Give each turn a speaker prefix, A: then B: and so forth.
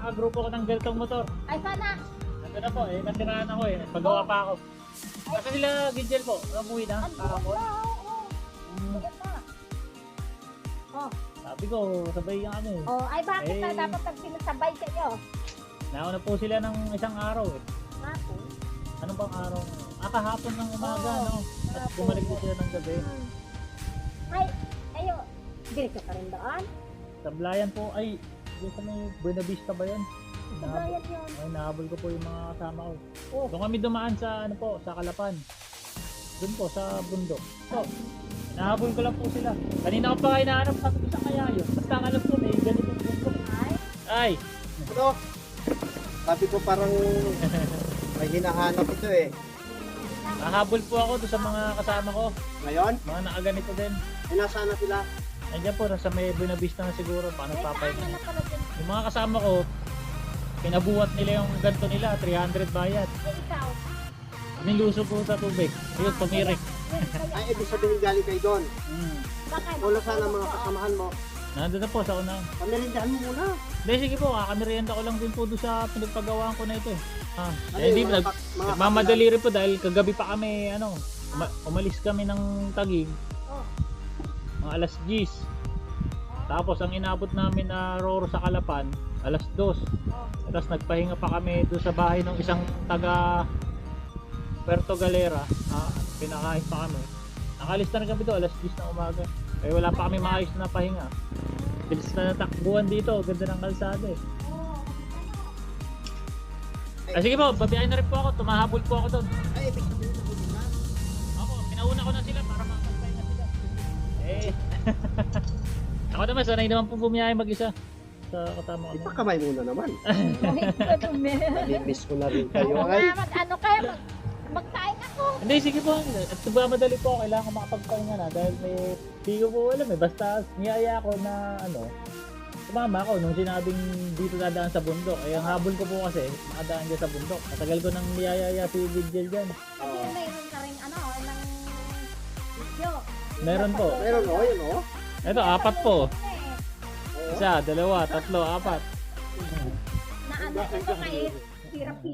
A: makakagrupo ko ng ganitong motor.
B: Ay, sana.
A: Ito na po, nasiraan ako pagawa pa ako. Kasi sila, Gidgel po, umuwi na, kahapon.
B: Maganda. Oh,
A: Sabi ko, sabay ka kami.
B: oh, ay bakit na
A: Eh.
B: dapat pag sinasabay kayo?
A: Nauna po sila ng isang araw
B: Ako.
A: Ano bang araw? Kahapon ng umaga,
B: Oo,
A: no? At bumalik po sila ng gabi.
B: Ay, ayo. Diretso ka rin doon?
A: Sablayan po, ay, doon sa may Buena Vista ba yan?
B: Sabayan yun.
A: Ay, nahabol ko po yung mga kasama ko.
B: Oh.
A: Doon kami dumaan sa, ano po, sa Kalapan. Doon po, sa bundok. So, nahabol ko lang po sila. Kanina ko pa kayo nahanap, sabi ko sa kaya yun. Basta ang alam ko, may ganitong bundok.
B: Ay,
A: Ay,
C: Ano? Sabi ko parang may hinahanap ito eh.
A: nahabol po ako doon sa mga kasama ko.
C: Ngayon,
A: Mga nakaganito din.
C: ay nasaan na sila?
A: Nandiyan po, nasa may Buena Vista na siguro. Paano
B: may
A: papayin?
B: saan na pala din.
A: Yung mga kasama ko, pinabuhat nila yung ganito nila, 300 bayad.
B: Ay, ikaw.
A: Niluso po sa tubig. Ayun, tumirik.
B: Yun, kaya.
C: Ay, ibig sabihin galing kayo doon.
B: Baka
C: Wala sana ang mga kasamahan mo.
A: Nandun na po sa una.
C: Pamirindahan mo muna.
A: Hindi, sige po, kakamerienda ko lang din po doon sa pinagpagawaan ko na ito eh.
C: Ano
A: Hindi,
C: yung mga
A: nagmamadali rin po dahil kagabi pa kami, umalis kami ng Taguig,
B: Oh.
A: mga alas 10. Tapos ang inabot namin na Roro sa Kalapan, alas 2.
B: Oh.
A: Tapos nagpahinga pa kami doon sa bahay ng isang taga Puerto Galera. Pinakain pa kami. Nakalis na rin kami doon, alas 10 ng umaga. Eh wala pa kami maayos na pahinga. Bilis na natakbuhan dito, ganda ng kalsada eh.
B: Oh.
A: Sige po, babiyahin na rin po ako, tumahabol po ako doon.
C: Ay, ibig sabihin na huli na.
A: Ako, pinauna ko na sila para makasabay na sila. Eh. Ako naman, sanay naman po bumiyahe mag-isa. Sa kasama ko.
C: Ipakamay muna naman.
B: Ay, madumi.
C: Nami-miss ko na rin kayo.
B: Oo
C: Ay,
B: nga, ano kaya magkain ako.
A: Hindi, sige po. At madali po ako. Kailangan ko makapagpahinga na dahil may di ko po alam eh. Basta niyaya ko na sumama ako nung sinabing dito dadaan sa bundok. Ay, ang habol ko po kasi makadaan dyan sa bundok. Matagal ko nang niyayaya si Vigil dyan.
B: Kasi mayroon ka rin ng video.
A: Meron po.
C: meron o, yun o.
A: Ito, 4 po.
B: Eh,
A: Isa, 2, 3, 4.
B: na ano, ito kahit hirap